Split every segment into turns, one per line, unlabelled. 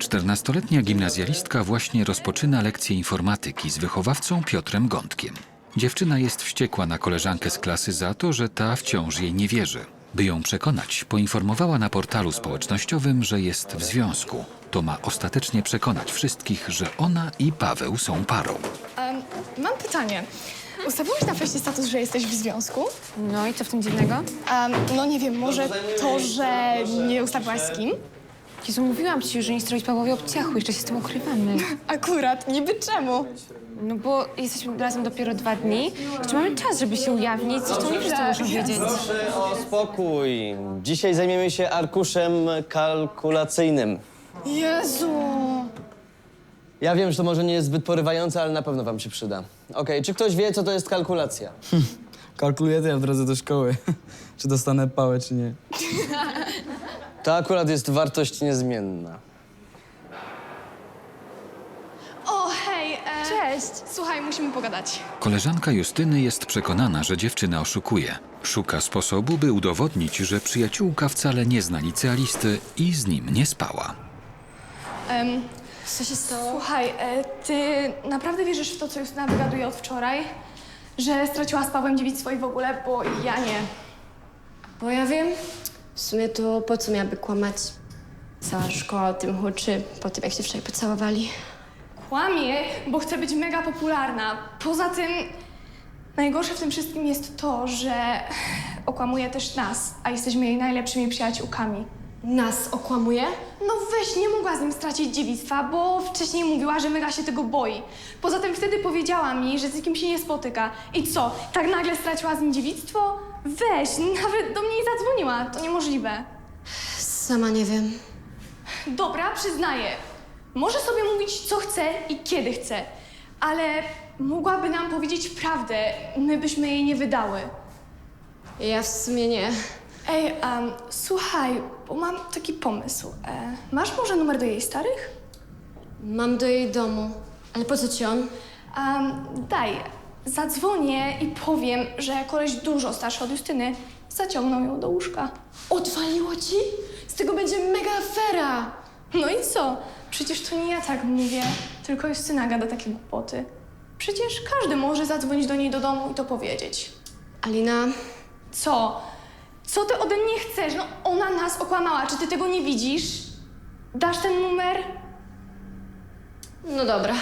14-letnia gimnazjalistka właśnie rozpoczyna lekcję informatyki z wychowawcą Piotrem Gądkiem. Dziewczyna jest wściekła na koleżankę z klasy za to, że ta wciąż jej nie wierzy. By ją przekonać, poinformowała na portalu społecznościowym, że jest w związku. To ma ostatecznie przekonać wszystkich, że ona i Paweł są parą.
Mam pytanie. Ustawiłeś na fejsie status, że jesteś w związku?
No i co w tym dziwnego?
No nie wiem, może to, że nie ustawiłaś z kim?
Jezu, mówiłam ci, że nie stroić Pawłowi obciachu, jeszcze się z tym ukrywamy.
Akurat, niby czemu?
No bo jesteśmy razem dopiero 2 dni. Jeszcze mamy czas, żeby się ujawnić, zresztą nie wszyscy muszą wiedzieć.
Proszę o spokój. Dzisiaj zajmiemy się arkuszem kalkulacyjnym.
Jezu!
Ja wiem, że to może nie jest zbyt porywające, ale na pewno wam się przyda. Okej, czy ktoś wie, co to jest kalkulacja?
Kalkuluję to ja w drodze do szkoły. Czy dostanę pałę, czy nie.
To akurat jest wartość niezmienna.
O, hej!
Cześć!
Słuchaj, musimy pogadać.
Koleżanka Justyny jest przekonana, że dziewczyna oszukuje. Szuka sposobu, by udowodnić, że przyjaciółka wcale nie zna licealisty i z nim nie spała.
Co się stało?
Słuchaj, ty naprawdę wierzysz w to, co Justyna wygaduje od wczoraj? Że straciła z Pawłem dziewictwo i w ogóle, bo ja nie.
Bo ja wiem, w sumie to po co miałaby kłamać? Cała szkoła o tym huczy, po tym jak się wczoraj pocałowali.
Kłamie, bo chce być mega popularna. Poza tym, najgorsze w tym wszystkim jest to, że okłamuje też nas, a jesteśmy jej najlepszymi przyjaciółkami.
Nas okłamuje?
No weź, nie mogła z nim stracić dziewictwa, bo wcześniej mówiła, że mega się tego boi. Poza tym wtedy powiedziała mi, że z nikim się nie spotyka. I co, tak nagle straciła z nim dziewictwo? Weź, nawet do mnie nie zadzwoniła, to niemożliwe.
Sama nie wiem.
Dobra, przyznaję. Może sobie mówić, co chce i kiedy chce, ale mogłaby nam powiedzieć prawdę, my byśmy jej nie wydały.
Ja w sumie nie.
Ej, słuchaj, bo mam taki pomysł. Masz może numer do jej starych?
Mam do jej domu. Ale po co ci on?
Daj, zadzwonię i powiem, że koleś dużo starszy od Justyny zaciągnął ją do łóżka.
Odwaliło ci? Z tego będzie mega afera!
No i co? Przecież to nie ja tak mówię, tylko Justyna gada takie głupoty. Przecież każdy może zadzwonić do niej do domu i to powiedzieć.
Alina,
Co? Co ty ode mnie chcesz? No ona nas okłamała, czy ty tego nie widzisz? Dasz ten numer?
no dobra.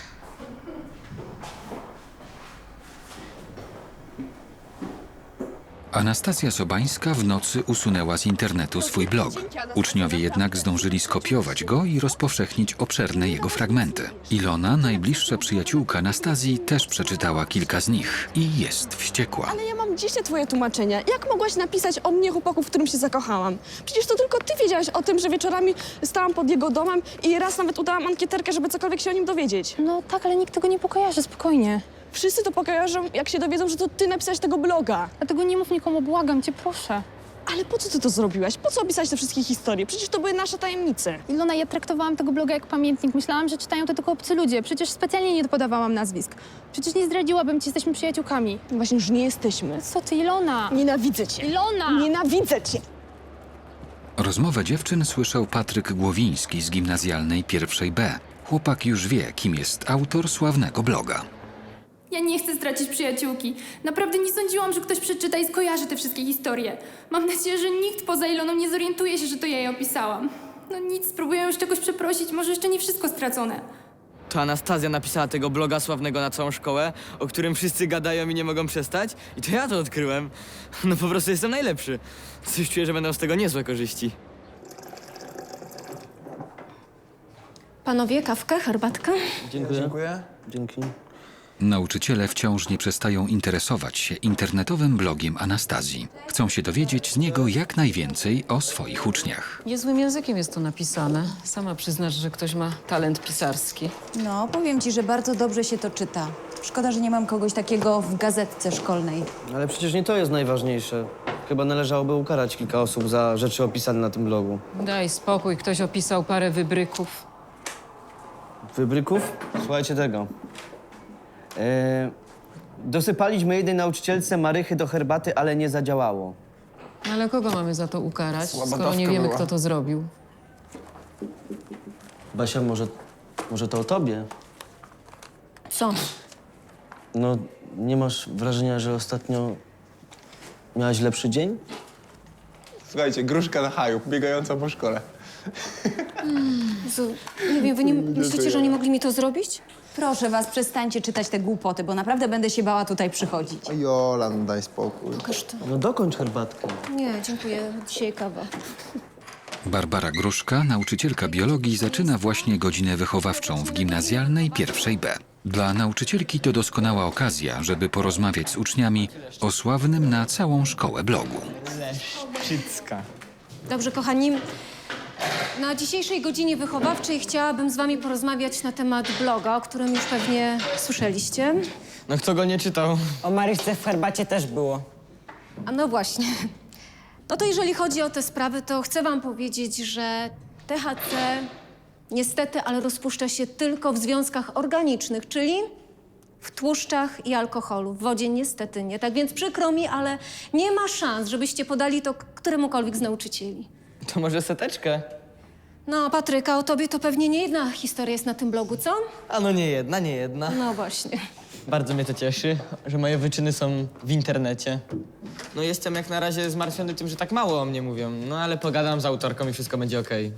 Anastazja Sobańska w nocy usunęła z internetu swój blog. Uczniowie jednak zdążyli skopiować go i rozpowszechnić obszerne jego fragmenty. Ilona, najbliższa przyjaciółka Anastazji, też przeczytała kilka z nich i jest wściekła.
Ale ja mam dzisiaj twoje tłumaczenia. Jak mogłaś napisać o mnie chłopaku, w którym się zakochałam? Przecież to tylko ty wiedziałaś o tym, że wieczorami stałam pod jego domem i raz nawet udałam ankieterkę, żeby cokolwiek się o nim dowiedzieć.
No tak, ale nikt tego nie pokojarzy, spokojnie.
Wszyscy to pokażą, jak się dowiedzą, że to ty napisałeś tego bloga.
Dlatego nie mów nikomu, błagam cię, proszę.
Ale po co ty to zrobiłaś? Po co opisać te wszystkie historie? Przecież to były nasze tajemnice.
Ilona, ja traktowałam tego bloga jak pamiętnik. Myślałam, że czytają to tylko obcy ludzie. Przecież specjalnie nie podawałam nazwisk. Przecież nie zdradziłabym ci, jesteśmy przyjaciółkami.
Właśnie już nie jesteśmy.
Co ty, Ilona?
Nienawidzę cię.
Ilona!
Nienawidzę cię.
Rozmowę dziewczyn słyszał Patryk Głowiński z gimnazjalnej pierwszej B. Chłopak już wie, kim jest autor sławnego bloga.
Ja nie chcę stracić przyjaciółki. Naprawdę nie sądziłam, że ktoś przeczyta i skojarzy te wszystkie historie. Mam nadzieję, że nikt poza Iloną nie zorientuje się, że to ja jej opisałam. No nic, spróbuję już czegoś przeprosić, może jeszcze nie wszystko stracone.
To Anastazja napisała tego bloga sławnego na całą szkołę, o którym wszyscy gadają i nie mogą przestać. I to ja to odkryłem. No po prostu jestem najlepszy. Coś czuję, że będą z tego niezłe korzyści.
Panowie, kawkę, herbatkę?
Dziękuję. Dzięki.
Nauczyciele wciąż nie przestają interesować się internetowym blogiem Anastazji. Chcą się dowiedzieć z niego jak najwięcej o swoich uczniach.
Niezłym językiem jest to napisane. Sama przyznasz, że ktoś ma talent pisarski.
No, powiem ci, że bardzo dobrze się to czyta. Szkoda, że nie mam kogoś takiego w gazetce szkolnej.
Ale przecież nie to jest najważniejsze. Chyba należałoby ukarać kilka osób za rzeczy opisane na tym blogu.
Daj spokój, ktoś opisał parę wybryków.
Wybryków? Słuchajcie tego. Dosypaliśmy jednej nauczycielce marychy do herbaty, ale nie zadziałało.
Ale kogo mamy za to ukarać, skoro nie wiemy, kto to zrobił?
Basia, może to o tobie?
Co?
No, nie masz wrażenia, że ostatnio miałaś lepszy dzień?
Słuchajcie, gruszka na haju, biegająca po szkole.
Jezu, nie wiem, wy nie myślicie, że oni mogli mi to zrobić?
Proszę was, przestańcie czytać te głupoty, bo naprawdę będę się bała tutaj przychodzić.
O Jola, no daj spokój.
Pokaż to.
No dokończ herbatkę.
Nie, dziękuję. Dzisiaj kawa.
Barbara Gruszka, nauczycielka biologii, zaczyna właśnie godzinę wychowawczą w gimnazjalnej pierwszej B. Dla nauczycielki to doskonała okazja, żeby porozmawiać z uczniami o sławnym na całą szkołę blogu.
Leszczycka.
Dobrze, kochani. Na dzisiejszej godzinie wychowawczej chciałabym z wami porozmawiać na temat bloga, o którym już pewnie słyszeliście.
No kto go nie czytał?
O Maryśce w herbacie też było.
A no właśnie. No to jeżeli chodzi o te sprawy, to chcę wam powiedzieć, że THC niestety, ale rozpuszcza się tylko w związkach organicznych, czyli w tłuszczach i alkoholu. W wodzie niestety nie. Tak więc przykro mi, ale nie ma szans, żebyście podali to któremukolwiek z nauczycieli.
To może seteczkę?
No, Patryka, o tobie to pewnie nie jedna historia jest na tym blogu, co?
A no nie jedna, nie jedna.
No właśnie.
Bardzo mnie to cieszy, że moje wyczyny są w internecie. No jestem jak na razie zmartwiony tym, że tak mało o mnie mówią. No ale pogadam z autorką i wszystko będzie okej.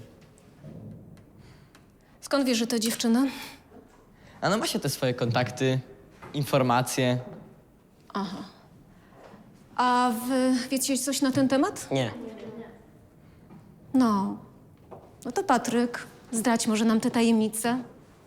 Skąd wiesz, że to dziewczyna?
A no ma się te swoje kontakty, informacje.
A wy wiecie coś na ten temat?
Nie.
No. No to Patryk, zdradź może nam te tajemnice.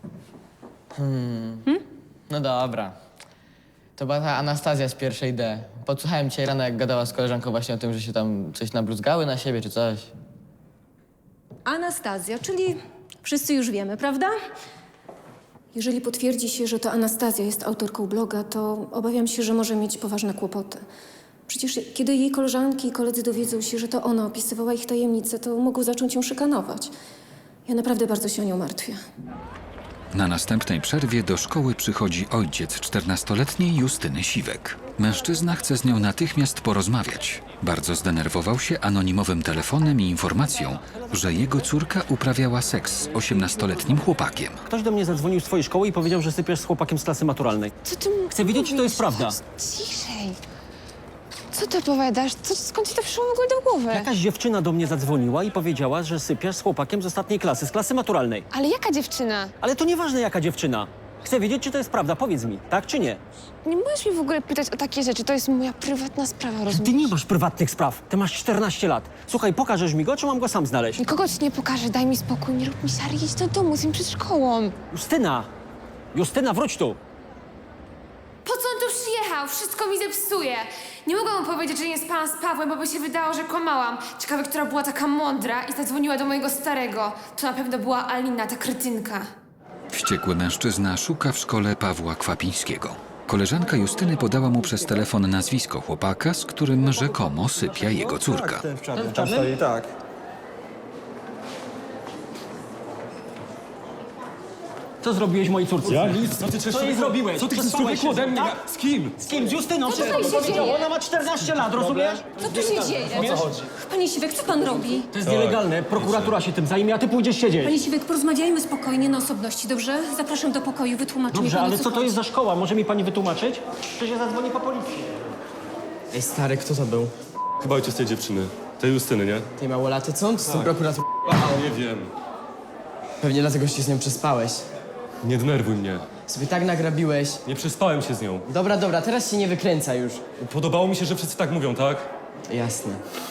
No dobra. To była ta Anastazja z pierwszej D. Podsłuchałem dzisiaj rano, jak gadała z koleżanką właśnie o tym, że się tam coś nabluzgały na siebie czy coś.
Anastazja, czyli wszyscy już wiemy, prawda? Jeżeli potwierdzi się, że to Anastazja jest autorką bloga, to obawiam się, że może mieć poważne kłopoty. Przecież kiedy jej koleżanki i koledzy dowiedzą się, że to ona opisywała ich tajemnice, to mogą zacząć ją szykanować. Ja naprawdę bardzo się o nią martwię.
Na następnej przerwie do szkoły przychodzi ojciec 14-letniej Justyny Siwek. Mężczyzna chce z nią natychmiast porozmawiać. Bardzo zdenerwował się anonimowym telefonem i informacją, że jego córka uprawiała seks z 18-letnim chłopakiem.
Ktoś do mnie zadzwonił z twojej szkoły i powiedział, że sypiesz z chłopakiem z klasy maturalnej.
Co ty
Chcę wiedzieć, czy to jest prawda.
Ciszej. Co ty opowiadasz? Skąd ci to przyszło w ogóle do głowy?
Jakaś dziewczyna do mnie zadzwoniła i powiedziała, że sypiasz z chłopakiem z ostatniej klasy, z klasy maturalnej.
Ale jaka dziewczyna?
Ale to nieważne, jaka dziewczyna. Chcę wiedzieć, czy to jest prawda. Powiedz mi, tak czy nie?
Nie możesz mi w ogóle pytać o takie rzeczy. To jest moja prywatna sprawa, rozumiesz?
Ty nie masz prywatnych spraw. Ty masz 14 lat. Słuchaj, pokażesz mi go, czy mam go sam znaleźć?
Nikogo ci nie pokażę. Daj mi spokój. Nie rób mi siary. Jedź do domu, z nim przed szkołą.
Justyna! Justyna, wróć tu!
Po co on tu przyjechał? Wszystko mi zepsuje. Nie mogłam mu powiedzieć, że nie spałam z Pawłem, bo by się wydało, że kłamałam. Ciekawe, która była taka mądra i zadzwoniła do mojego starego. To na pewno była Alina, ta kretynka.
Wściekły mężczyzna szuka w szkole Pawła Kwapińskiego. Koleżanka Justyny podała mu przez telefon nazwisko chłopaka, z którym rzekomo sypia jego córka.
Tam stoi, tak.
Co zrobiłeś mojej córce?
Ja nic, co ty
Co jej zrobiłeś?
Co ty chcesz
Przespałeś
człowieku ode mnie?
tak?
Z kim?
Z kim? Z Justyną?
Co tutaj się
powiedziała.
dzieje?
Ona ma 14 lat, rozumiesz?
Co tu się dzieje?
O co chodzi?
Panie Siwek, co pan robi?
To jest nielegalne. Prokuratura się tym zajmie, a ty pójdziesz siedzieć.
Panie Siwek, porozmawiajmy spokojnie na osobności, dobrze? Zapraszam do pokoju, wytłumaczę mi
Dobrze,
pan, o
ale co to
chodzi.
jest za szkoła? Może mi pani wytłumaczyć? Czy się zadzwoni po policji?
Ej, stary, kto to był?
Chyba ojciec tej dziewczyny. Tej Justyny, nie?
Tej małolaty, co on z tym prokuratorem?
Nie wiem.
Pewnie dlatego się z nią przespałeś.
Nie denerwuj mnie.
Sobie tak nagrabiłeś.
Nie przespałem się z nią.
Dobra, teraz się nie wykręca już.
Podobało mi się, że wszyscy tak mówią, tak?
Jasne.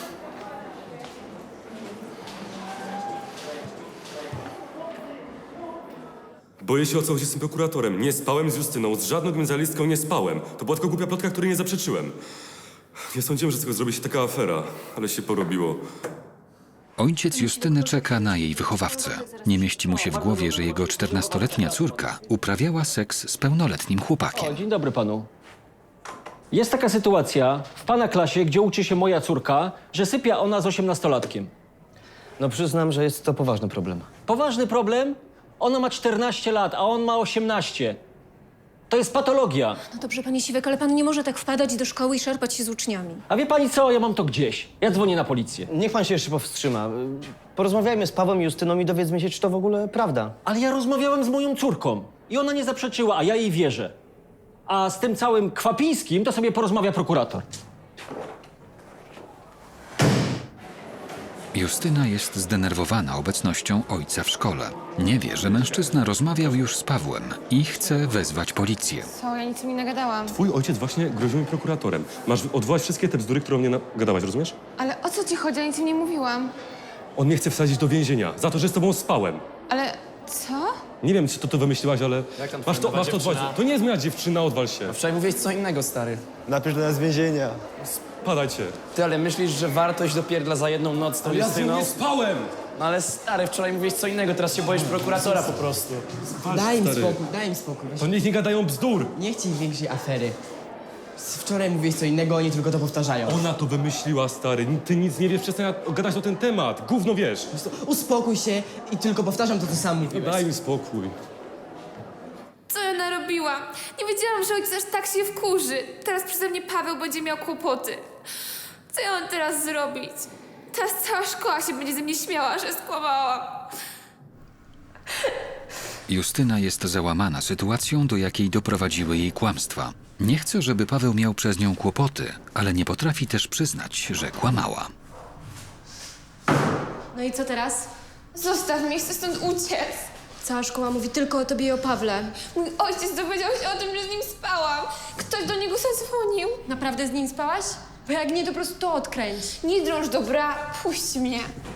Boję się, o co chodzi z tym prokuratorem. Nie spałem z Justyną, z żadną gimnazjalistką nie spałem. To była tylko głupia plotka, której nie zaprzeczyłem. Nie sądziłem, że z tego zrobi się taka afera, ale się porobiło.
Ojciec Justyny czeka na jej wychowawcę. Nie mieści mu się w głowie, że jego 14-letnia córka uprawiała seks z pełnoletnim chłopakiem.
O, dzień dobry panu. Jest taka sytuacja w pana klasie, gdzie uczy się moja córka, że sypia ona z 18-latkiem.
No przyznam, że jest to poważny problem.
Poważny problem? Ona ma 14 lat, a on ma 18. To jest patologia.
No dobrze, panie Siwek, ale pan nie może tak wpadać do szkoły i szarpać się z uczniami.
A wie pani co? Ja mam to gdzieś. Ja dzwonię na policję.
Niech pan się jeszcze powstrzyma. Porozmawiajmy z Pawłem i Justyną i dowiedzmy się, czy to w ogóle prawda.
Ale ja rozmawiałem z moją córką i ona nie zaprzeczyła, a ja jej wierzę. A z tym całym Kwapińskim to sobie porozmawia prokurator.
Justyna jest zdenerwowana obecnością ojca w szkole. Nie wie, że mężczyzna rozmawiał już z Pawłem i chce wezwać policję.
Co, ja nic mi nagadałam.
Twój ojciec właśnie groził mi prokuratorem. Masz odwołać wszystkie te bzdury, które o mnie gadałaś, rozumiesz?
Ale o co ci chodzi? Ja nic im nie mówiłam.
On mnie chce wsadzić do więzienia za to, że z tobą spałem.
Ale co?
Nie wiem, czy to wymyśliłaś, ale masz to odwołać. To nie jest moja dziewczyna, odwal się.
Wczoraj mówiłeś co innego, stary.
Napisz do nas więzienia.
Padajcie.
Ty, ale myślisz, że warto iść do pierdla za jedną noc z tą
Ja z nią
Justyną?
nie spałem!
No ale stary, wczoraj mówiłeś co innego, teraz się boisz prokuratora po prostu.
Daj im spokój,
daj im spokój.
To niech nie gadają bzdur.
Nie chcij większej afery. Wczoraj mówiłeś co innego, oni tylko to powtarzają.
Ona to wymyśliła, stary. Ty nic nie wiesz, przestań gadać o ten temat. Gówno wiesz.
Uspokój się i tylko powtarzam to, co sam mówiłeś.
Daj mi spokój.
Co ja narobiłam? Nie wiedziałam, że ojciec aż tak się wkurzy. Teraz przeze mnie Paweł będzie miał kłopoty. Co ja mam teraz zrobić? Teraz cała szkoła się będzie ze mnie śmiała, że skłamałam.
Justyna jest załamana sytuacją, do jakiej doprowadziły jej kłamstwa. Nie chce, żeby Paweł miał przez nią kłopoty, ale nie potrafi też przyznać, że kłamała.
No i co teraz?
Zostaw mnie, chcę stąd uciec.
Cała szkoła mówi tylko o tobie i o Pawle.
Mój ojciec dowiedział się o tym, że z nim spałam. Ktoś do niego zadzwonił.
Naprawdę z nim spałaś? Bo jak nie, to po prostu to odkręć.
Nie drąż, dobra? Puść mnie.